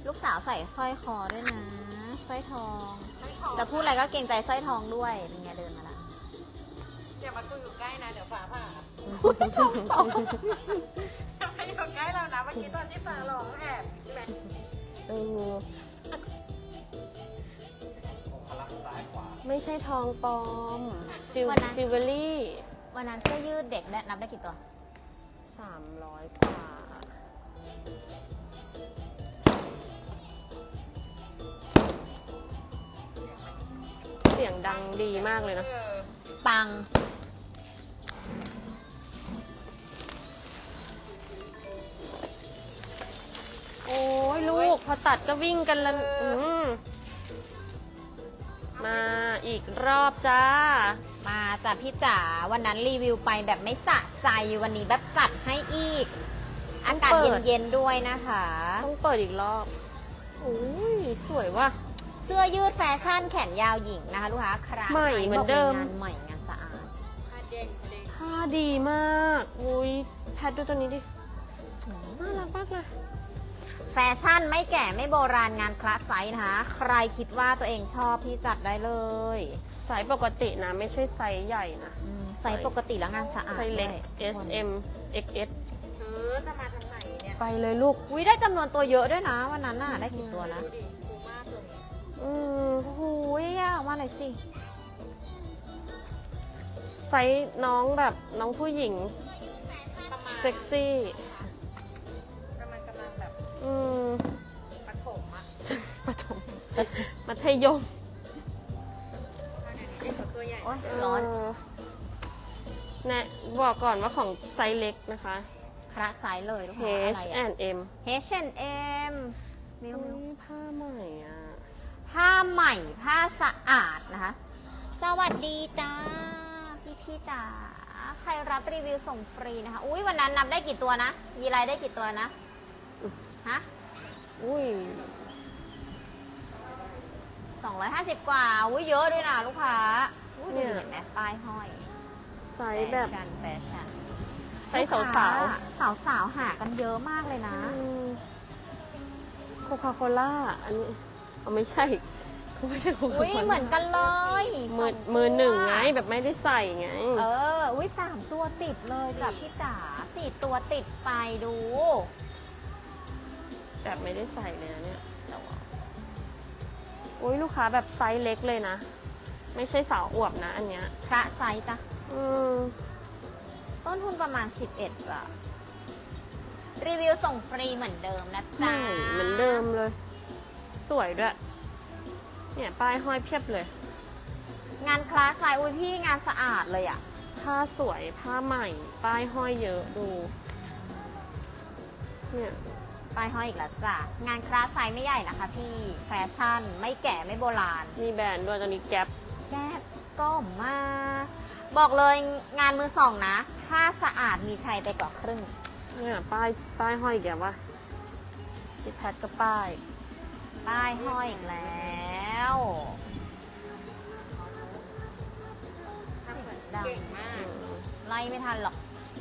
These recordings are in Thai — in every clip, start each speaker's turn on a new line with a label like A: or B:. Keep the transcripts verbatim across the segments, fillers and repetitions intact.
A: ลูกสาวใส่สร้อยคอด้วยนะสร้อยทองจะพูดอะไรก็เกรงใจสร้อยทองด้วยเป็นไงเดินมาละ
B: อย่ามาคุยอยู่ใกล้นะเดี๋ยวฟ้าผ่าทองตกอย่ามาอยู่ใกล้เรานะเมื่อกี้ตอนที่ฟ้าร้องแอบแบบ
C: เออไม่ใช่ทองปลอมจิวจิวเวลรี่
A: วันนั้นเสื้อยืดเด็กได้นับได้กี่ตัว
C: สามร้อยกว่าเสียงดังดีมากเลยนะ
A: ปัง
C: โอ้ยลูกพอตัดก็วิ่งกันแล้วมาอีกรอบจ้า
A: มาจ้ะพี่จ๋าวันนั้นรีวิวไปแบบไม่สะใจวันนี้แบบจัดให้อีกอากาศเย็นๆด้วยนะคะ
C: ต้องเปิดอีกรอบโอ้ยสวยว่ะ
A: เสื้อยืดแฟชั่นแขนยาวหญิงนะคะลูกค้าครา
C: ใหม่เหมือนเดิม
A: งานใหม่งานสะอาด
B: ผ้าเด้ง
C: ผ้าดีมากอุ้ยแพทดูตัวนี้ดิน่ารักมากเลย
A: แฟชั่นไม่แก่ไม่โบราณงานคลาสไซส์นะคะใครคิดว่าตัวเองชอบพี่จัดได้เลย
C: ไซส์ปกตินะไม่ใช่ไซส์ใหญ่นะ
A: ไซส์ปกติแล้วงานสะอาด
C: ไซส์เล็ก เอส เอ็ม เอ็กซ์ เอส
B: เออจะมาทางไหนเนี่ย
C: ไปเลยลูก
A: อุ้ยได้จำนวนตัวเยอะด้วยนะวันนั้นน่ะได้กี่ตัวนะ
B: ดูมากเลย
C: อืม
A: โอ้โหยากมากเลยสิ
C: ไซส์น้องแบบน้องผู้หญิงเซ็กซี่
B: กำลังกำลังแบบ
C: อืม
B: ปฐมอะ
C: ปฐมมัธยม
B: ตัวใหญ่
A: โอ๊ยร้อน
C: แนะบอกก่อนว่าของไซส์เล็กนะคะ
A: คละไซส์เลยลูกค้าอะไร
C: เอช แอนด์ เอ็ม
A: เอช แอนด์ เอ็ม มิวมิว
C: ผ้าใหม่อ่ะ
A: ผ้าใหม่ผ้าสะอาดนะคะสวัสดีจ้าพี่พี่จ๋าใครรับรีวิวส่งฟรีนะคะอุ้ยวันนั้นนับได้กี่ตัวนะยีไรได้กี่ตัวนะฮะ
C: อุ้ย
A: สองร้อยห้าสิบกว่าอุ้ยเยอะด้วยนะลูกค้าเนี่ยเห็นไหมป้ายห้อย
C: ไซส์แบบ
A: แฟชั่นแฟชั่น
C: ไซส์สาวสาว
A: สาวสาวหากันเยอะมากเลยนะ
C: โคคาโคล่าอันนี้เอาไม่ใช่ไม่ใช่โคคาโคล่า
A: อุ้ยเหมือนกันเลย
C: มือมือหนึ่งไงแบบไม่ได้ใส่ไง
A: เอออุ้ยสามตัวติดเลยจ้ะพี่จ๋าสี่ตัวติดไปดู
C: แบบไม่ได้ใส่เลยนะเนี่ยอุ้ยลูกค้าแบบไซส์เล็กเลยนะไม่ใช่สาวอวบนะอันเนี้ย
A: พระไซส์จ้ะ
C: อืม
A: ต้นทุนประมาณสิบเอ็ดบาทรีวิวส่งฟรีเหมือนเดิมนะจ๊ะ
C: เหมือนเดิมเลยสวยด้วยเนี่ยป้ายห้อยเพียบเลย
A: งานคลาสไซส์อุ้ยพี่งานสะอาดเลยอ่ะ
C: ผ้าสวยผ้าใหม่ป้ายห้อยเยอะดูเนี่ย
A: ป้ายห้อยอีกแล้วจ้ะงานคลาสไซส์ไม่ใหญ่นะคะพี่แฟชั่นไม่แก่ไม่โบราณ
C: มีแบรนด์ด้วยตอนนี้แก๊ป
A: แก๊ปก็มาบอกเลยงานมือสองนะผ้าสะอาดมีชัยไปกว่าครึ่ง
C: เนี่ยป้ายป้ายห้อยแกว่าพี่แพทก็ป้าย
A: ป้ายห้อยอีกแล้ว
B: เก่งมาก
A: ไล่ไม่ทันหรอก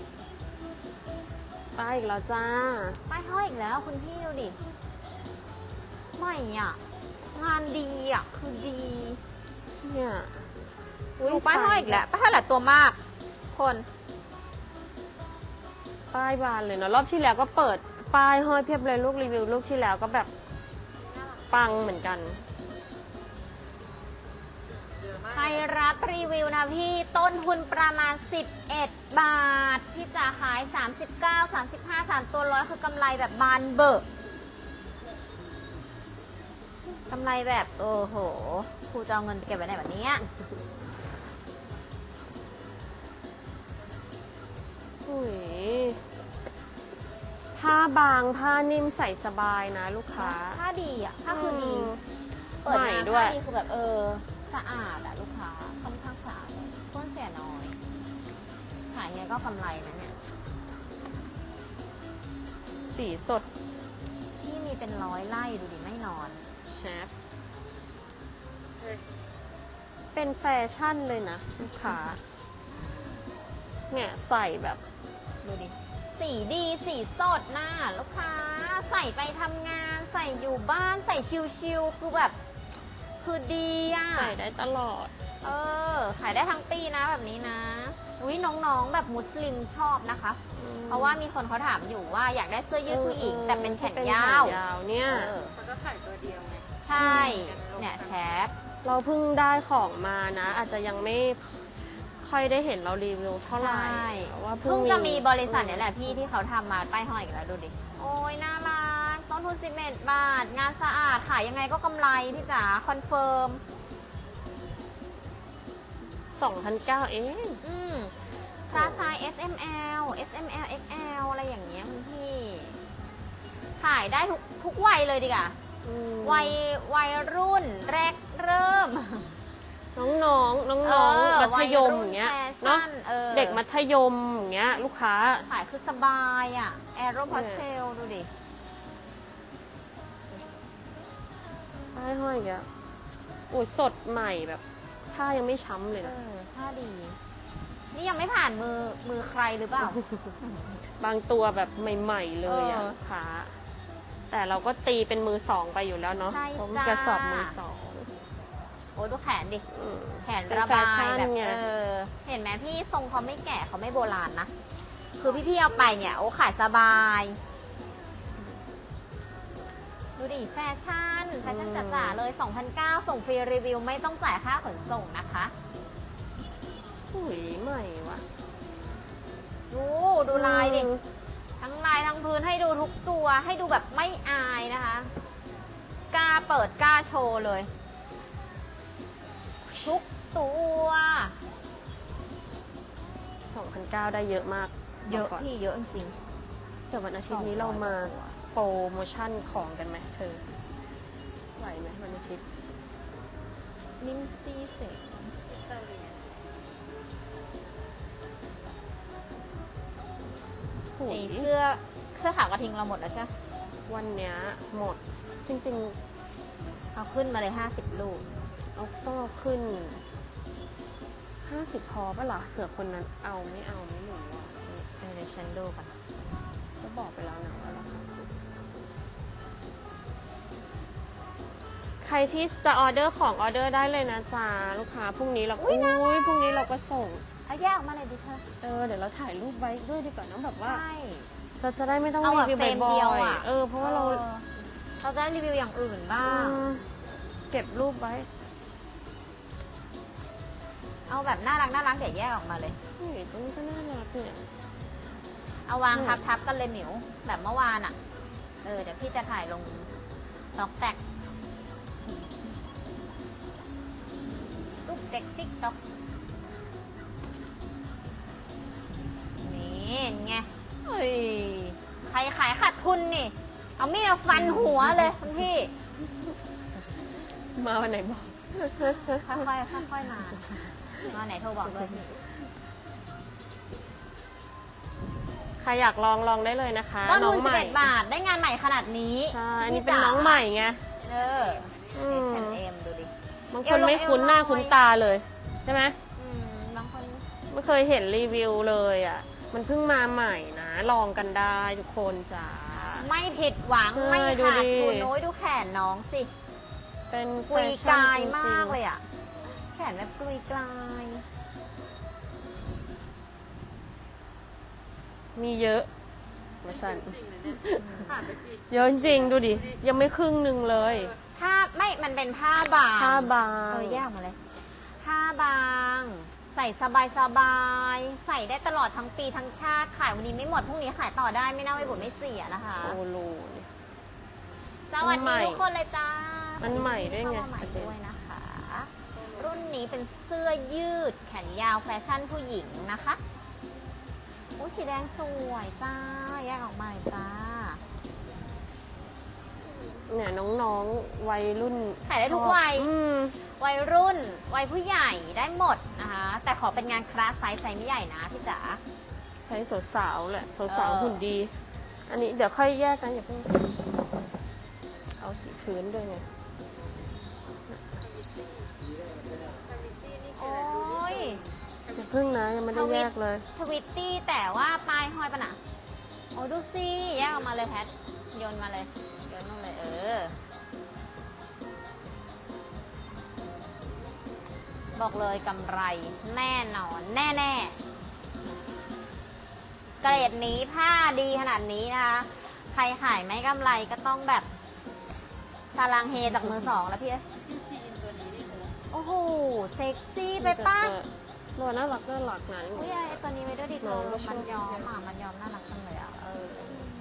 C: ป้ายอีกแล้วจ้า
A: ป้ายห้อยอีกแล้วคุณพี่ดูดิไม่อ่ะงานดีอ่ะคือดี
C: เนี่ย
A: ดูป้ายห้อยอีกแล้วป้ายห้อยหลายตัวมากคน
C: ป้ายบานเลยเนาะรอบที่แล้วก็เปิดป้ายห้อยเพียบเลยลูกรีวิวลูกที่แล้วก็แบบปังเหมือนกัน
A: ใครรับรีวิวนะพี่ต้นทุนประมาณสิบเอ็ดบาทพี่จะขายสามสิบเก้า สามสิบห้า สามตัวร้อยคือกำไรแบบบานเบิกกำไรแบบโอ้โหครูจะเอาเงินเก็บไว้ไหนแบบนี้
C: อุ้ยผ้าบางผ้านิ่มใส่สบายนะลูกค้า
A: ผ้าดีอ่ะผ้าคือดีเปิดมาผ้าดีคือแบบเออสะอาดอ่ะลูกค้าค่อนข้างสะอาดต้นเสียน้อยขายไงก็กำไรนะเนี่ย
C: สีสด
A: ที่มีเป็นร้อยไร่ดูดิไม่นอน
C: เชฟเป็นแฟชั่นเลยนะลูกค้าเนี่ยใส่แบบ
A: ดูดิสีดีสีสดน่ะลูกค้าใส่ส่ไปทำงานใส่อยู่บ้านใส่ชิลๆคือแบบคือดีอ่ะ
C: ใส่ได้ตลอด
A: เออขายได้ทั้งปีนะแบบนี้นะอุ้ยน้องๆแบบมุสลิมชอบนะคะ เพราะว่ามีคนเขาถามอยู่ว่าอยากได้เสื้อยืดผู้หญิง แต่เป็นแขนยาว
C: แขนยาวเนี่ย
A: เออ
B: เขาก็ขายตัวเดียวไง
A: ใช่เนี่ยแชป
C: เราเพิ่งได้ของมานะ อาจจะยังไม่ค่อยได้เห็นเรารีวิวเท่าไหร่
A: ใช่
C: เพราะว่า
A: เพิ่งจะมีบริษัทเนี่ยแหละพี่ที่เขาทำมาป้ายห้อยอีกแล้วดูดิ โอ้ยน่ารักต้นทุนสิบเอ็ดบาท งานสะอาดขายยังไงก็กำไรพี่จ๋าคอนเฟิร์ม
C: สองพันเก้าเอง
A: อืมซาไซ เอส เอ็ม แอล เอส เอ็ม แอล เอ็กซ์ แอล อะไรอย่างเงี้ยคุณพี่ ขายได้ทุกทุกวัยเลยดีกว่า
C: อืม
A: วัยวัยรุ่นแรกเริ่ม
C: น้องๆ น้องๆ มัธยมอย่างเงี้ย
A: วัรุ่นแฟ
C: เนาะ
A: ชั่นออ
C: เด็กมัธยมอย่างเงี้ย ลูกค้า
A: ขายคือสบายอ่ะ แอโรพาสเทลดูดิ
C: ป้ายห้อยอย่างเงี้ยโอ้ยสดใหม่แบบผ้ายังไม่ช้ำเลย
A: เอ
C: นะ
A: อผ้าดี นี่ยังไม่ผ่านมือมือใครหรือเปล่า
C: บางตัวแบบใหม่ ๆ เลยอะ
A: เออ
C: ลูกค้า แต่เราก็ตีเป็นมือสองไปอยู่แล้วเนาะ
A: ใช่
C: ผม
A: จ้า
C: กระสอบมือสอง
A: โอ้ดูแขนดิ
C: อืม
A: แขนระบาย
C: เป็นแฟชั่น
A: แบบ
C: ไง
A: เออ เห็นไหมพี่ทรงเขาไม่แก่เขาไม่โบราณนะ คือพี่ๆเอาไปเนี่ย โอ้ขายสบาย ดูดิ แฟชั่น แฟชั่นจ๋าๆเลย สองพันเก้า ส่งฟรีรีวิวไม่ต้องจ่ายค่าขนส่งนะคะ
C: อุ้ยใหม่ว่ะ
A: ดูดูลายดิ ทั้งลายทั้งพื้นให้ดูทุกตัวให้ดูแบบไม่อายนะคะ กล้าเปิดกล้าโชว์เลย ทุกตัว
C: สองพันเก้าได้เยอะมาก
A: เยอะ
C: บกก่น
A: พี่เยอะจริง
C: เดี๋ยววันอาทิตย์นี้เรามาโปรโมชั่นของกันไหมเธอ ไหวไหมวันอาทิตย์
A: ลินซี่เสก
C: โอ้
A: ไอย
C: ย
A: เสื้อเสื้อขาวกระทิงเราหมดแล้วใช่ไหม
C: วันเนี้ยหมด จริง
A: เอาขึ้นมาเลยห้าสิบลูก
C: ๆ เอาต้องเอาขึ้นห้าสิบพอปะล่ะเผื่อคนนั้นเอาไม่เอาไม่รู้อ่ะ
A: เออเดี๋ยวฉันดูก่อน
C: ก็บอกไปแล้วนะว่าราคาถูกใครที่จะออเดอร์ของออเดอร์ได้เลยนะจ๊ะลูกค้าพรุ่งนี้เราอุ้ยพรุ่งนี้เราก็ส่ง
A: เอาแยกออกมาเลยดิเธอ
C: เออเดี๋ยวเราถ่ายรูปไว้ด้วยดีกว่าน้องแบบว่า
A: ใช่
C: เราจะได้ไม่ต้อง
A: เอา
C: รี
A: แบบ
C: วิว
A: เฟรม
C: บ่
A: เดียว
C: อย
A: อะ
C: ๆเออเพราะว่าเรา
A: ออเราจะได้รีวิวอย่างอื่นบ้าง
C: อืมเก็บรูปไว้
A: เอาแบบน่ารักน่ารักเดี๋ยวแยกออกมาเลย
C: เฮ้ยตัวนี้ก็น่ารักเนี่ย
A: เอาวาง
C: อืม
A: ทับทับกันเลยหมิวแบบเมื่อวานอ่ะ เออเดี๋ยวพี่จะถ่ายลงต็อกแตกลูกเด็กติ๊กต็อกนี่ไงเฮ้ยใครขายขาดทุนนี่ เอามีดเอาฟันหัวเลยคุณพี่
C: มาวันไหนบอก
A: ค่อยๆค่อยๆมามาไหนโทรบอกเลย
C: ใครอยากลองลองได้เลยนะคะ
A: ต้น
C: น้
A: ทุ
C: อน ง
A: สิ
C: ให
A: บ
C: ม่
A: เอ็ดบาทได้งานใหม่ขนาดนี้
C: ใช่อันนี้
A: พี่
C: เป็น
A: จ๋า
C: น้องใหม่ไง
A: เออ
C: อืม
A: เอช แอนด์ เอ็ม ดูดิ
C: บาง
A: เอ
C: ค
A: วน ลง
C: ไม่คุ้นหน้า
A: เอวลอย
C: คุ้นตาเลยใช่ไหม
A: อืมบางคน
C: ไม่เคยเห็นรีวิวเลยอ่ะ มันเพิ่งมาใหม่นะ ลองกันได้ทุกคนจ้า
A: ไม่ผิดหวัง
C: ใช่
A: ไม่
C: ดู
A: ขาด
C: ดิ
A: ทุนโน้ยดูแขนน้องสิ
C: เป็น
A: กุย
C: แฟ
A: ก
C: ชั่น
A: ลาย
C: จริงๆ
A: มากเลยอ่ะ แขนแบบกุยกลาย
C: มีเยอะมาสั่น
B: จริงนะเนี่ยผ่านไปกี่
C: เยอะจริงๆดูดิ ยังไม่ครึ่งหนึ่งเลย
A: ผ้าไม่ มันเป็นผ้าบาง
C: ผ้าบาง
A: เออแยกออกมาเลย ผ้าบาง ใส่สบายสบายๆใส่ได้ตลอดทั้งปีทั้งชาติ ขายวันนี้ไม่หมด พรุ่งนี้ขายต่อได้ไม่น่าไม่บ่นไม่เสียนะคะ
C: โอโลนี่
A: สวัส
C: มันใหม่
A: ดีทุกคนเลยจ้า
C: มันใหม่ด้วยไง
A: เข้ามาใหม่ด้วยนะคะ รุ่นนี้เป็นเสื้อยืดแขนยาวแฟชั่นผู้หญิงนะคะอุ้ยสีแดงสวยจ้า แยกออกมาเลยจ้า
C: เนี่ยน้องๆวัยรุ่น
A: ขายได้ทุกวัย
C: อืม
A: วัยรุ่น วัยผู้ใหญ่ได้หมดนะคะ แต่ขอเป็นงานคลาสไซส์ไซส์ไม่ใหญ่นะพี่จ๋า
C: ใช้สาวๆแหละสาว
A: เออ
C: ๆหุ่นดี อันนี้เดี๋ยวค่อยแยกกันอย่าเพิ่งเอาสีพื้นด้วยไง
A: โอ้ย
C: อย่าเพิ่งนะยังไม่ได้แยกเลย
A: ทวิตตี้แต่ว่าปลายห้อยปะนะโอ้ดูสิแยกออกมาเลยแพทโยนมาเลยโยนลงเลยเออ บอกเลยกำไรแน่นอนแน่ๆเกรดนี้ผ้าดีขนาดนี้นะคะ ใครขายไม่กำไรก็ต้องแบบซาลังเฮจากมือสองแล้วพี่เอ้ย
B: พี่ซีอินตัวนี้นี่เธอ
A: โอ้โห เซ็กซี่ไปป้า
C: ตัวน่ารักน่ารักนะ
A: อุ้ยไอตัวนี้ไว้ด้วยดิเธ
C: น้อ
A: อง
C: ก็ชอบ
A: มันยอมอ่ะมันยอมน่ารักจังเลยอ่ะเออ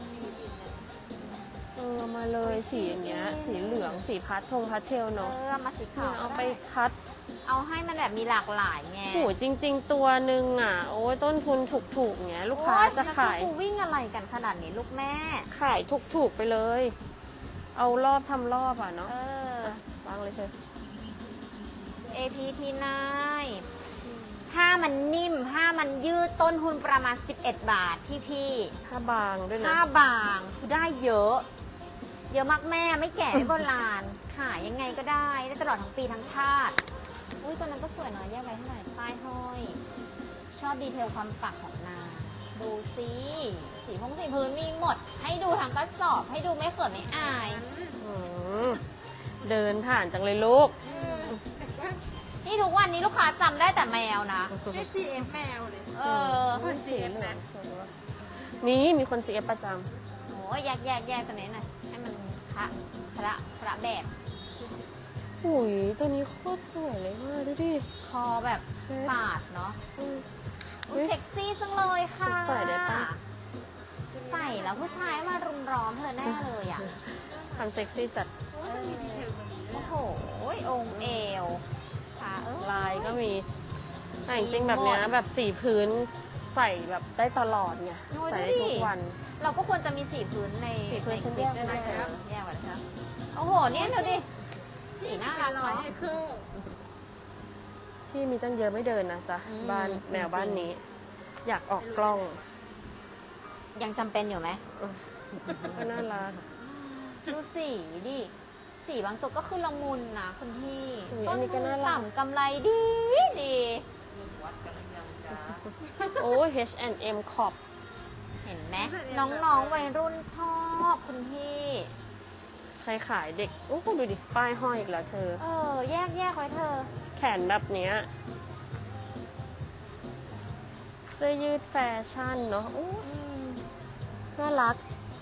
C: เออมาเลยสีอย่างเงี้ย สีเหลืองสีพัดทงพัดเทล
A: เอ
C: เนาะ
A: อมาสี
C: เนี่
A: ขาวย
C: เอา
A: ก็
C: ไป
A: ด้
C: คัด
A: เอาให้มันแบบมีหลากหลายไง
C: โหจริง ๆ ตัวหนึ่งอ่ะ โอ้ยต้นทุนถูกๆเงี้ยลูกค้า
A: โอ๊ย
C: จะขาย
A: แล้วกูวิ่งอะไรกันขนาดนี้ลูกแม่ ข
C: ขายถูกๆไปเลย เอารอบทำรอบอ่ะเนาะ
A: เออ
C: วางเลยเชย
A: เอ พี ที ไนน์ ผ้ามันนิ่ม ผ้ามันยืดต้นทุนประมาณ สิบเอ็ด บาทพี่พี่
C: ผ้าบางด้วยนะ
A: ผ้าบางคือได้เยอะ เยอะมากแม่ไม่แก่ไม่โบราณ ขายยังไงก็ได้ ได้ตลอดทั้งปีทั้งชาติ อุ้ยตัวนั้นก็สวยเนาะแยกไว้เท่าไหร่ป้ายห้อย ชอบดีเทลความปักของนางดูสิสีพงสีพื้นมีหมด ให้ดูทั้งกระสอบ ให้ดูไม่เขินไม่อาย
C: อืมเดินผ่านจังเลยลูก
A: นี่ทุกวันนี้ลูกค้าจำได้แต่แมวนะ
B: ให้ซีเอ็มแมวเลย
A: เออ
B: คนซีเอ็มนะ
C: มีมีคนซีเอฟประจ
A: โอ้ยแยกแยกแยกตัวนี้หน่อยให้มันพระพระพระแบบ
C: ำหุยตัวนี้โคตรสวยเลยว่ะดูดิ
A: คอแบบปาดเนาะ
C: อืม
A: อุ๊ยเซ็กซี่จังเลยค่ะ
C: ใส่ได้ปะ
A: ใส่แล้วผู้ชายมารุมร้อมเธอแน่เลยอ่ะ
C: ทำเซ็กซี่จัด
B: โอ้ยมันมีดีเทลตรงนี้ด้
A: โอ้
B: วย
A: โหองค์เอวขาเออ
C: ลายก็มีแต่จริงๆแบบเนี้ยแบบสีพื้นใส่แบบได้ตลอดไงใส่ได้ทุกวัน
A: เราก็ควรจะมีสีพื้นใน
C: สีพื้น
A: ใน
C: ฉัน
A: คลิป
C: แยก
A: ด้วย
C: ไว้
A: นะ
C: แล้ว
A: แยกไว้แล้วครับโอ้โหเนี่ยดูดิสีน่ารัก
B: ร้อย
A: เนาะ
B: ให้ครึ่ง
C: ที่มีตั้งเยอะไม่เดินนะจ๊ะ
A: อืม
C: บ้าน
A: จริงๆ
C: แนวบ้านนี้ อยากออกกล้อง
A: ยังจำเป็นอยู่ไหม
C: ก็น่ารัก
A: ดูสีดิ สีบางตัวก็คือละมุนนะคุณพี่
C: อุ๊ย
A: ต้
C: อั
A: น
C: นนี้ก็
A: ทุน
C: น่ารัก
A: ต่ำกำไรดีดี
C: โอ้ย เอช แอนด์ เอ็ม ขอบ
A: เห็นไหมน้องๆวัยรุ่นชอบคุณพี่
C: ใครขายเด็กโอ้ดูดิ ป้ายห้อยอีกแล้วเธอ
A: เออ แยกแยกไว้เธอ
C: แขนแบบเนี้ยเสื้อยืดแฟชั่นเนาะโอ้
A: อืม
C: น่ารัก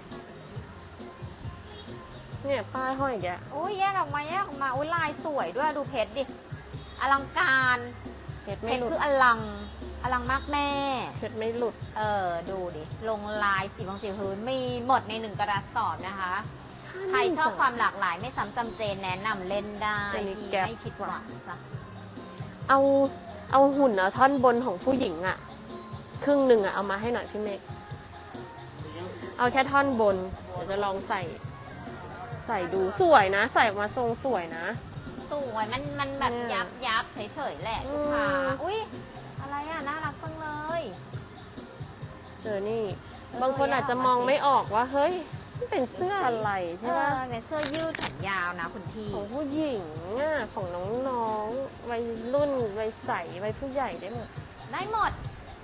C: เนี่ยป้ายห้อยอีกแก
A: โอ้ยแยกออกมาแยกออกมาอุ้ยลายสวยด้วยดูเพชรดิ อลังการ
C: เพชร
A: เพ
C: ไม่
A: ชร
C: หลุด
A: คืออลัง อลังมากแม่
C: เพชรไม่หลุด
A: เออ ดูดิ ลงลายสีบางสีพื้นมีหมดในหนึ่งกระสอบนะคะ ใครชอบความหลากหลายไม่ซ้ำจำเจนแนะนำเล่นได้
C: จะมี
A: พี่
C: แก๊ป
A: ไม่ผิดหวังจ้ะ
C: เอาเอาหุ่นเอาท่อนบนของผู้หญิงอะครึ่งหนึ่งอะเอามาให้หน่อยพี่เมฆเอาแค่ท่อนบน เดี๋ยวจะลองใส่ ใส่ดูสวยนะ ใส่ออกมาทรงสวยนะ
A: สวยมันมันแบบ
C: เนี่ย
A: ยับยับเฉยๆแหละลูกค้า
C: อืม
A: อุ้ยอะไรอ่ะ น่ารักจังเลย
C: เจอนี่
A: เออบ
C: างคนอาจจะมอง
A: แยกออกมาสิ
C: ไม่ออกว่า เฮ้ยนี่เป็นเสื้ออะไร
A: เอ
C: ใช่ไหม
A: อเป็นเสื้อยืดแขนยาวนะคุณพี่
C: ของผู้หญิงอะของน้องๆวัยรุ่นวัยใสวัยผู้ใหญ่ได้หมด
A: ได้หมด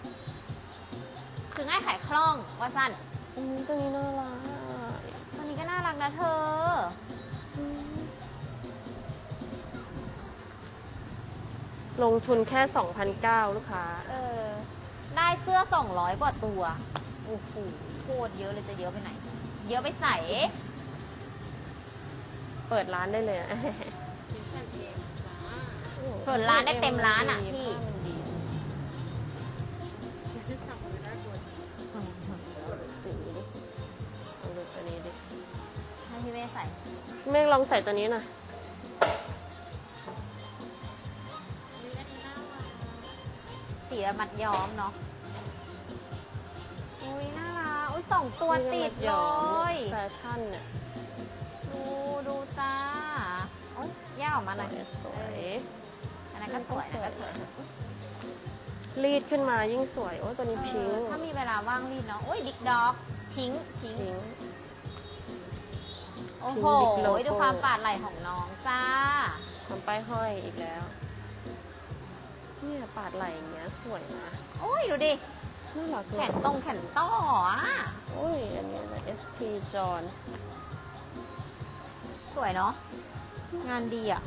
A: คือง่ายขายคล่องว่าสั้น
C: อืมตัวนี้น่ารัก
A: ตัวนี้ก็น่ารักนะเธอ
C: อืมลงทุนแค่ สองพันเก้าร้อย ลูกค้า
A: เออ ได้เสื้อสองร้อยกว่าตัว โอ้โหโคตรเยอะเลยจะเยอะไปไหน เยอะไปใส่
C: เปิดร้านได้เลยนะ
B: ชิ้นแผ่นเองจ้า
A: เปิดร้านได้เต็มร้านอะพี่
C: ผ้ามันดี
B: ที่ทำมือได้ตัวนี้
C: สีดิลองดูตัวนี้ดิ
A: ให้พี่เมย์ใส่
C: เมฆลองใส่ตัวนี้หน่อย
B: มีอันนี้น่ารัก
A: สีมัดย้อมเนาะ อุ้ยน่ารัก อุ้ยสองตัวติดเลย
C: แฟชั่นเนี่ย
A: ดูดูจ้าโอ้ยแยกออกมาหน่อย
C: สวย
A: อันนั้นก็สวยอันนั้นก็สวย
C: รีดขึ้นมายิ่งสวย โอ้ตัวนี้พิง
A: เอ
C: ค์
A: อถ้ามีเวลาว่างรีดเนาะโอ้ยดิกด็อกพิงค์พิงค์
C: พิงค์
A: โอ้โห
C: พิงค์ Big Logo
A: ดูความปาดไหล่ของน้องจ้า
C: ทำป้ายห้อยอีกแล้ว เนี่ยปาดไหล่อย่างเงี้ยสวยนะ
A: โอ้ยดูดิ
C: น่ารัก
A: แขนตรงแขนต้ออ่ะ
C: โอ้ยอันนี้อะไร เอส พี จอน
A: สวยเนาะงานดีอ่ะ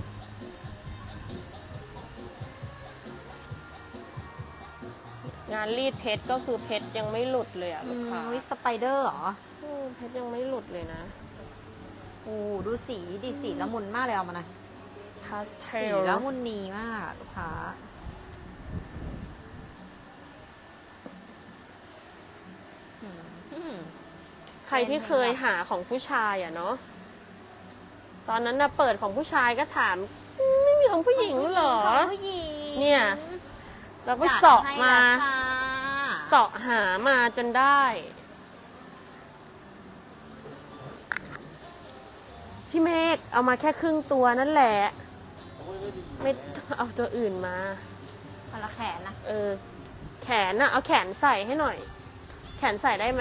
C: งานรีดเพชรก็คือเพชรยังไม่หลุดเลยอ่ะ
A: อื
C: ลูก
A: ม
C: ค้า
A: วิสไปเดอร์เหรอ
C: อืมเพชรยังไม่หลุดเลยนะ
A: โอ้ดูสีดีสีละมุนมากเลยเอามาหน่อย
C: พาสเท
A: สี
C: ล
A: ละมุนนีมากลูกค้าอืม
C: ใครที่เคยหาของผู้ชายอ่ะเนาะตอนนั้นนะเปิดของผู้ชายก็ถามอืมไม่มีของผู้หญิงเหรอ
A: ของผู้หญิง
C: เนี่ย เราก็
A: จัด
C: เสาะ
A: ให้
C: มา
A: แล้วค่ะ
C: เสาะหามาจนได้ พี่เมฆเอามาแค่ครึ่งตัวนั่นแหละ ไม่ต้องเอาตัวอื่นมา
A: คนละแขนนะ
C: เออ แขนน่ะ เอาแขนใส่ให้หน่อย แขนใส่ได้ไหม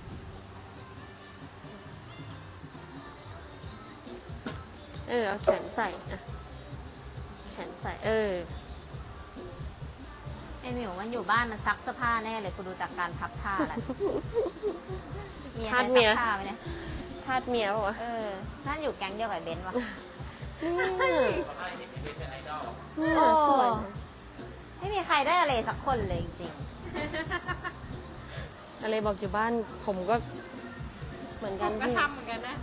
C: เออ เอาแขนใส่อะแขนใส่ เออ
A: ไอหมิวมันอยู่บ้านมันซักเสื้อผ้าแน่เลยกูดูจากการพับผ้าแหละเมีย
C: ทาส
A: ได้
C: เมี
A: ซั
C: ย
A: กผ้าไหมเนี่ย
C: ทาสเมียป่ะวะ
A: เออน่าอยู่แก๊งเดียวกับเบนซ์วะ
C: เนี่ยเนี่ยสวยนะ
A: ไม่มีใครได้อะไรสักคนเลยจริง
C: อะไรบอกอยู่บ้านผมก็เหมือน
B: ผ
C: กัน
B: มก็
C: พี่
B: ทำเหมือนกันนะ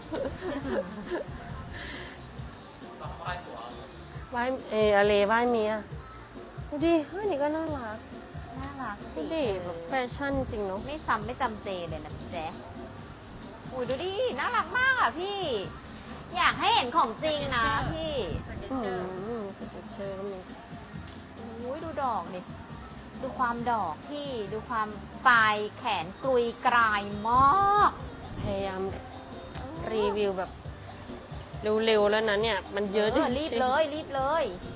C: ไหว้เอออะไรไหว้เมียดูดิเฮ้ยนี่ก็น่ารัก
A: ๆน่ารัก
C: ดู
A: สิ
C: ดิแบบแฟชั่นจริงเนาะ
A: ไม่ซ้ำไม่จำเจเลยนะพี่แจ๊คอุ้ยดูดิน่ารักมากอ่ะพี่ อยากให้เห็นของจริงนะพี่
C: อืมสเก็ตเชอร์ก็มี
A: อุ้ยดูดอกดิดูความดอกพี่ดูความปลายแขนกรุยกรายมาก
C: พยายามรีวิวแบบเร็วๆแล้วนะเนี่ย มันเยอะจริงๆ
A: รีบเลยรีบเลย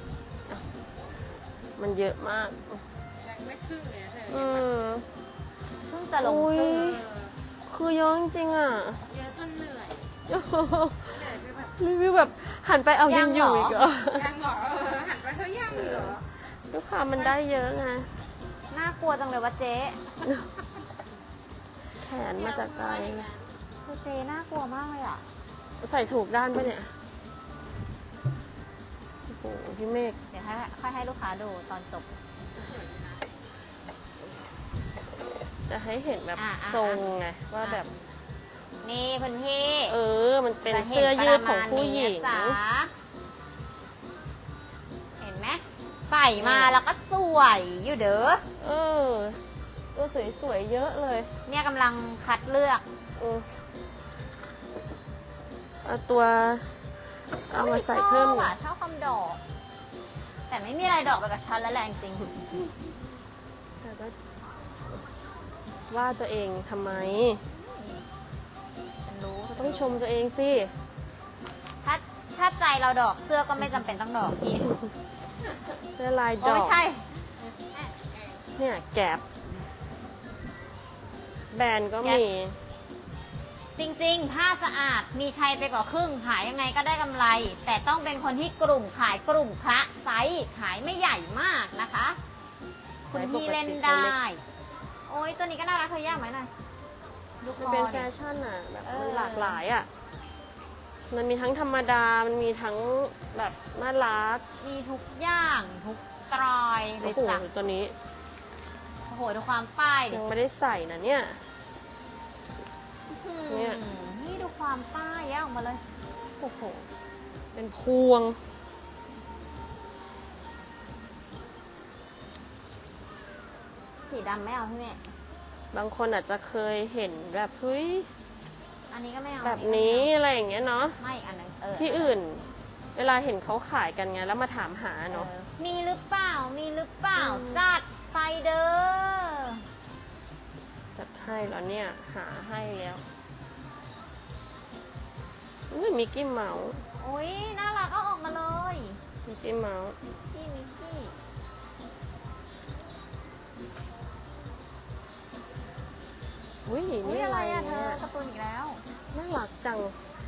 C: มันเยอะมาก
B: ยังไม่ครึ่งเลยอะเธอ
C: อืม
A: เพิ่งจะลง
C: อุ๊ย
A: ครึ่ง
C: คือเยอะจริงๆอ่ะ
B: เยอะจนเหนื่อยเหนื่อยไปแบบ
C: รีวิวแบบหันไปเอายังอยู่อีกเหรอ
B: ยังเหรอเออหันไปเธอยังเหรอ
C: ด้วยความมันได้เยอะไง
A: น่ากลัวจังเลยวะเจ๊
C: แขนมาจากไกล
A: เจ๊น่ากลัวมากเลยอ่ะ
C: ใส่ถูกด้านปะเนี่ย โอ้โห พี่เมฆ
A: เดี๋ยวให้ค่อยให้ลูกค้าดูตอนจบ
C: จะให้เห็นแบบ
A: อ่ะอ่ะ
C: ทรงไง ว่าแบบ
A: นี่คุณพี่
C: เออ มันเป็นเสื้อยืดของผู้หญิง
A: จะเนประมาณนี้นะจ๊ะเห็นไหมใส่มาแล้วก็สวยอยู่เด้อ
C: เออ ตัวสวยๆ เยอะเลย
A: เนี่ยกำลังคัดเลือก
C: อืมเอาตัว เอามาใส่เพิ่ม
A: ช
C: ห
A: อบ
C: น่อ
A: อ่ะ
C: ย
A: ชอบความดอก แต่ไม่มีอะไรดอกไปกับฉันแล้วแหละจริง
C: แต่ก็ว่าตัวเองทำไม
A: ๆฉันรู้
C: ต้องชมตัวเองสิ
A: ถ้าถ้าใจเราดอกเสื้อก็ไม่จำเป็นต้องดอกพี่
C: เสื้อลายด
A: โอ้
C: อก
A: ไม่ใช่
C: เนี่ยแกบแบรนด์ก็มี
A: จริงๆ ผ้าสะอาดมีชัยไปกว่าครึ่งขายยังไงก็ได้กำไร แต่ต้องเป็นคนที่กลุ่มขายกลุ่มคละไซส์ขายไม่ใหญ่มากนะคะ คุณพี่เล่นได้ โอ้ยตัวนี้ก็น่ารักเธอยากไหมหน่อยดูค
C: มัน
A: อ
C: เป็น
A: ดิ
C: แฟชั่นอ่ะ แบบ
A: เอ
C: มัน
A: อ
C: หลากหลายอ่ะ มันมีทั้งธรรมดา มันมีทั้งแบบน่ารัก
A: มีทุกอย่างทุกสไตล์เล
C: โอ้
A: ย
C: โห
A: จ้ะ
C: ตัวนี้
A: โอ้โหดูความป้ายดิ
C: ยังไม่ได้ใส่นะเนี่ย เนี่ย
A: อืมนี่ดูความป้ายแยกออกมาเลย
C: โอ้โห เป็นพวง
A: สีดำไม่เอาพี่เมย์
C: บางคนอาจจะเคยเห็นแบบเฮ้ย
A: อันนี้ก็ไม่เอา
C: แบบ
A: อัก็
C: นี้
A: ไม่
C: อะไรอย่างเงี้ยเนาะ
A: เอาไม่อีกอันหนึงเออ
C: ที่อื่น เวลาเห็นเขาขายกันไง แล้วมาถามหาเนาะ
A: เออมีหรือเปล่า มีหรือเปล่า
C: อืม
A: จัดไปเด้อ
C: จัดให้แล้วเนี่ย หาให้แล้วอุ้ยมิกกี้เมาส์
A: โอ้ยน่ารักเอาออกมาเลย
C: มิกกี้เมาส์
A: พี่มิกกี้
C: อุ้ย
A: อุ้ย
C: นี่
A: อะ
C: อะไร ไร
A: อะเธ
C: เนี่
A: อย การ์ตูนอีกแล้ว
C: น่ารักจัง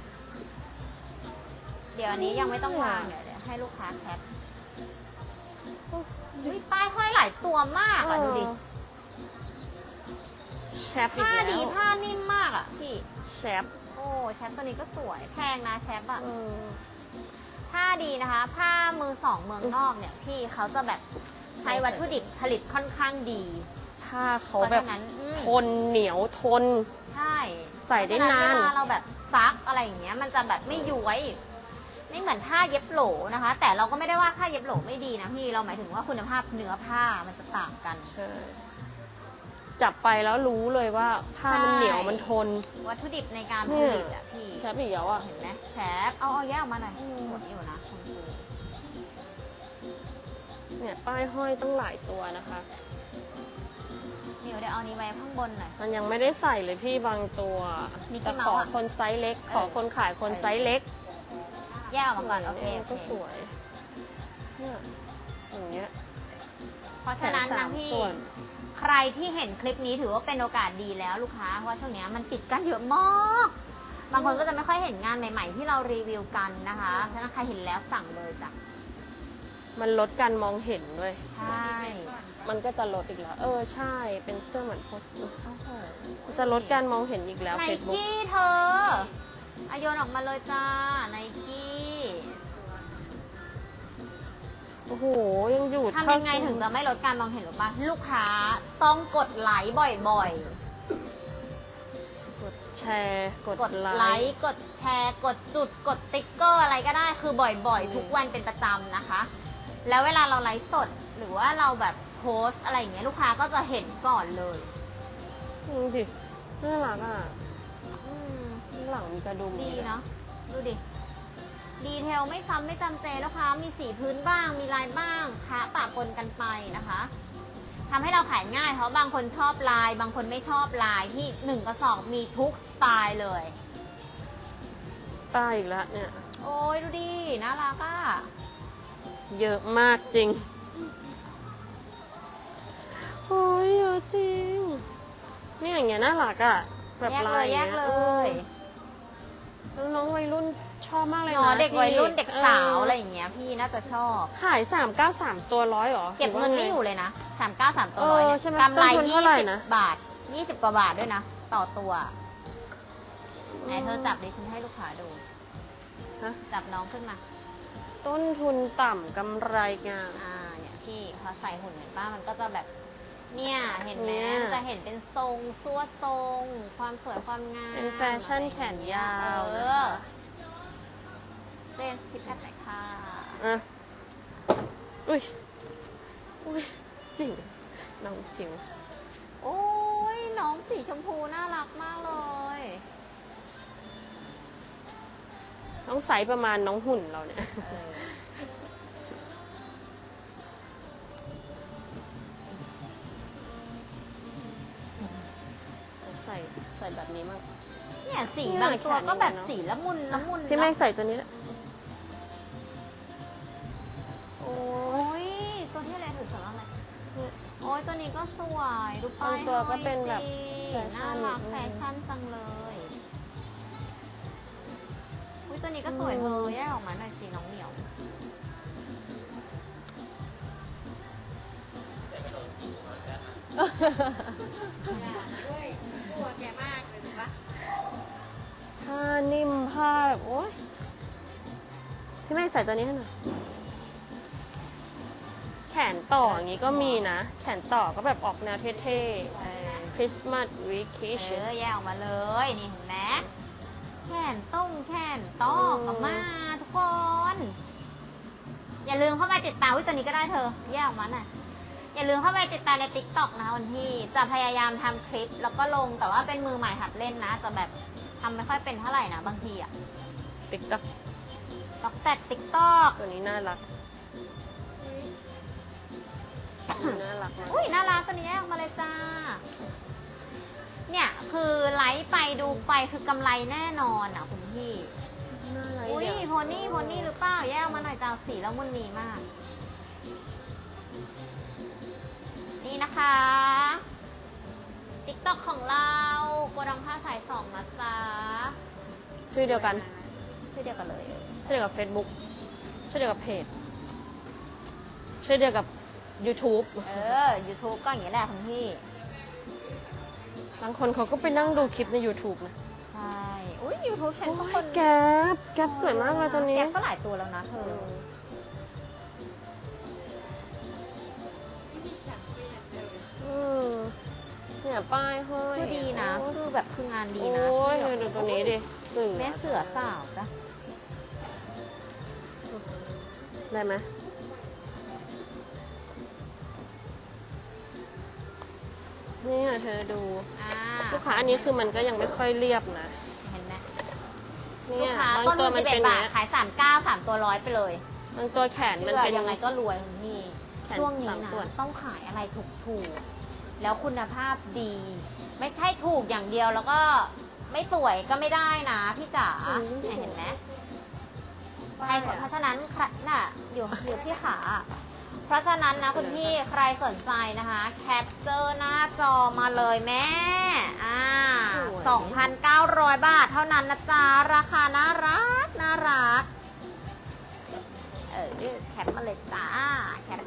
A: เดี๋ยวอันนี้ยังไม่ต้องวางเดี๋ยวเดี๋ยวให้ลูกค้าแคปอุ้ยป้ายห้อยหลายตัวมากอ่ะดูดิ
C: เออแชปอีก
A: ผ้า
C: แล้ว
A: ดีผ้านิ่มมากอ่ะพี่
C: แชป
A: โอ้แชปตัวนี้ก็สวยแพงนะแชปอ่ะ
C: เออ
A: ผ้าดีนะคะ ผ้ามือสองเมืองนอกเนี่ยพี่เขาจะแบบใช้วัตถุดิบผลิตค่อนข้างดี
C: ผ้าเขา
A: เพราะ
C: แบบ
A: ฉะนั้นอืม
C: ทนเหนียวทน
A: ใช่
C: ใส่ได้
A: เพระฉะ
C: นาน
A: เวลาเราแบบซักอะไรอย่างเงี้ยมันจะแบบไม่ย้วยไม่เหมือนผ้าเย็บโหลนะคะ แต่เราก็ไม่ได้ว่าผ้าเย็บโหลไม่ดีนะพี่เราหมายถึงว่าคุณภาพเนื้อผ้ามันจะต่างกัน
C: ใช่จับไปแล้วรู้เลยว่าผ้ามัน
A: ใช่
C: เหนียวมันทน
A: วัตถุดิบในการผ
C: เนี่ย
A: ลิตอะพี่
C: แชปอีกแล้วอ่ะ
A: เห็นไหมแชปเอาเอาแยกออกมาหน่อยสวยอยู่นะชมพู
C: เนี่ยป้ายห้อยตั้งหลายตัวนะคะ
A: เดี๋ยวเดี๋ยวเอานี้ไว้ข้างบนหน่อย
C: มันยังไม่ได้ใส่เลยพี่บางตัว
A: มิกกี้
C: แต่
A: เมา
C: ข
A: ส์
C: อ
A: อะ
C: คนไซส์เล็ก
A: เออ
C: ขอคนขายคนไซส์เล็ก
A: แยกออกมาก่อนโอเค
C: เนี่ย
A: โอ
C: ก็
A: เค
C: สวยเนี่ยอย่างเงี้ย
A: เพราะฉะนั้น
C: แขนสา
A: นะ
C: ม
A: พี่
C: ส่วน
A: ใครที่เห็นคลิปนี้ถือว่าเป็นโอกาสดีแล้วลูกค้าเพราะว่าช่วงเนี้ยมันปิดกันเยอะมากบางคนก็จะไม่ค่อยเห็นงานใหม่ ๆ ที่เรารีวิวกันนะคะฉะนั้นใครเห็นแล้วสั่งเลยจ้ะ
C: มันลดการมองเห็นด้วย
A: ใช่
C: มันก็จะลดอีกแล้ว เออใช่ เป็นเสื้อเหมือนพวก
A: โอ้โห
C: จะลดการมองเห็นอีกแล้ว
A: ไน
C: เฟซบุ๊ก
A: กี้เธออะโยนออกมาเลยจ้าไนกี้
C: โอ้โห ยังอยู่
A: ทำยังไงถึงจะไม่ลดการมองเห็นหรือปะลูกค้าต้องกดไลค์บ่อยๆ
C: กดแชร์ กด
A: กด
C: ไล
A: ไล
C: ค์
A: ค์ กดแชร์ กดจุด กดติ๊กเกอร์อะไรก็ได้ คือบ่อย
C: อืม
A: ๆ ทุกวันเป็นประจำนะคะ แล้วเวลาเราไลฟ์สด หรือว่าเราแบบโพสต์อะไรอย่างเงี้ย ลูกค้าก็จะเห็นก่อนเลย
C: ดูดิน่ารักอ่ะ
A: อืม
C: ข้างหลังมีกระดุม
A: ดีเนาะ ดูดิ ดีเทลไม่ซ้ำไม่จำเจลูกค้ามีสีพื้นบ้าง มีลายบ้างคะปะปนกันไปนะคะทำให้เราขายง่าย เพราะบางคนชอบลาย บางคนไม่ชอบลายที่หนึ่งกระสอบมีทุกสไตล์เลย
C: ป้ายอีกแล้วเนี่ย
A: โอ้ยดูดิ น่ารักอ่ะ
C: เยอะมากจริง โอ้ยเยอะจริง เนี่ยอย่างเงี้ยน่ารักอ่ะ แบบ
A: แยก
C: ลา
A: เลย ยแย
C: งี้
A: กเลย
C: เออน้องวัยรุ่นชอบมากเลย
A: เนาะ
C: นะ
A: เด็กวัยรุ่นเด็กสาว
C: เ
A: อะไรอย่างเงี้ยพี่น่าจะชอบ
C: ขายสามเก้าสามตัวร้อยเหรอ
A: เก็บเงินไม่อยู่เลยนะสามเก้าสามตัว
C: เออ
A: ร้อยเนี่ย
C: ใช่ไหม
A: กำไร
C: ต้นทุน
A: ยี่
C: เท่าไหร่
A: สิบ
C: นะ
A: บาทยี่สิบกว่าบาทด้วยนะ ต่อตัวไหนเธอจับดิฉันให้ลูกค้าดู
C: ฮะ
A: จับน้องขึ้นมา
C: ต้นทุนต่ำกำไรงาม
A: อ่าเนี่ยพี่พอใส่หุ่นเห็นป้ามันก็จะแบบ เนี่ยเห็นไหม
C: เนี่ย
A: มันจะเห็นเป็นทรงซั่วทรง ความสวยความงาม
C: เป็นแฟชั่นแขนยาว
A: เอ
C: นะ
A: อ
C: คะ
A: เจนสคิปแอดไหนค่ะ
C: อ่ะอุ้ย อุ้ยจิ๋วน้องจิ๋ว
A: โอ้ยน้องสีชมพูน่ารักมากเลย
C: น้องใสประมาณน้องหุ่นเราเนี่ย
A: เออ
C: ใส่ใส่แบบนี้มั่ง
A: เนี่ยสี
C: เนี่ย
A: บางตัวก็แบบ
C: แขนอย่างเงี้ยเนอะ
A: สีละมุนละมุน
C: พี่แม่
A: เนอะ
C: ใส่ตัวนี้แหละ
A: โอ้ยตัวที่อะไรถือสำหรับอะไรโอ้ยตัวนี้ก็สวยดูป้าย
C: บางตัวก็เป็นแบบ
A: ห้อยสิ
C: แฟชั่
A: น่าน รักแฟชั่นจังเลยอุ้ยตัวนี้ก็สวยเธอแยกออกมาหน่อยสิน้องเหมียว
B: ด้วยกลัวแกมากเลยถูกปะ
C: ผ้านิ่มผ้าแบบโอ๊ยพี่แม่ใส่ตัวนี้ให้หน่อย แขนต่ออย่างนี้ก็มีนะ แขนต่อก็แบบออกแนวเท่ๆคริสต์มาสวีคิ
A: เอ
C: ช
A: อแยกออกมาเลยนี่เห็นไหมแขนต้งแขนตอกออกมาทุกคน อย่าลืมเข้าไปติดตามวิตัวนี้ก็ได้เธอ แยกออกมาหน่อยอย่าลืมเข้าไปติดตามใน ติ๊กต็อก นะคะวันที่จะพยายามทำคลิป แล้วก็ลงแต่ว่าเป็นมือใหม่หัดเล่นนะจะแบบทำไม่ค่อยเป็นเท่าไหร่นะบางทีอะ
C: ติ๊กต็อก
A: ต็อกแต่ติ๊กต็อก
C: ตัวนี้น่ารักตัวนี้น่ารักมาก
A: อุ้ยน่ารักตัวนี้แยกออกมาเลยจ้า เนี่ยคือไลฟ์ไปดูไปคือกำไรแน่นอนอ่ะคุณพี่
C: น่ารัก
A: อุ้ย
C: เดี๋ว
A: โพนี่โพนี่หรือเปล่าแยกออกมาหน่อยจ้าสีแล้วมุนนีมาก นี่นะคะติ๊กต็อกของเราโกดังผ้าสายสองนะจ๊ะ
C: ชื่อเดียวกัน
A: ชื่อเดียวกันเลย
C: ชื่อเดียวกับ Facebook ชื่อเดียวกับเพจ ชื่อเดียวกับ YouTube
A: เออ YouTube ก็อย่างนี้แหละคุณพี่
C: บางคนเขาก็ไปนั่งดูคลิปใน YouTube นะ
A: ใช่ อุ้ยยูทูบฉันก็
C: โอ้
A: ค
C: ย
A: น
C: แก๊ปแก๊ปสวยมากเลยตัวนี้
A: แก๊ปก็หลายตัวแล้วนะเธอ
C: อืมเนี่ยป้ายห้อย
A: คือดีนะ
C: โอ้ย
A: คือแบบคืองานดีนะ
C: โอ้ย
A: ที่
C: ดู
A: แบบ
C: ตัวนี้ดิเสือ
A: แม่เสือสาวจ้ะ
C: ได้ไหมนี่เธอดู
A: อ่า
C: ลูกค้าอันนี้คือมันก็ยังไม่ค่อยเรียบนะ
A: เห็นไหม
C: เนี่
A: ลู
C: ย
A: กค้า
C: บาง
A: ต้น
C: ตัว
A: ทุน
C: มัน
A: สิบเอ็
C: เป็
A: ด
C: น
A: บาท
C: เนี้ย
A: ขายสามเก้าสามตัวร้อยไปเลย
C: บางตัวแขนมัน
A: เชื่อ
C: เป็น
A: ยังไงก็รวยนี่
C: แขน
A: ช่วงนี้
C: สาม
A: นะ
C: ส่วน
A: ต้องขายอะไรถูกๆ แล้วคุณภาพดี ไม่ใช่ถูกอย่างเดียวแล้วก็ไม่สวยก็ไม่ได้นะพี่จ๋าเนี่ยเห็นไหมใครเพราะฉะนั้นใครน่ะอยู่อยู่ที่ขา เพราะฉะนั้นนะคุณพี่ใครสนใจนะคะ แคปเจอร์หน้าจอมาเลยแม่ อ่า สองพันเก้าร้อย บาทเท่านั้นนะจ๊ะ ราคาน่ารัก น่ารัก เออแคปมาเลยจ้า แคป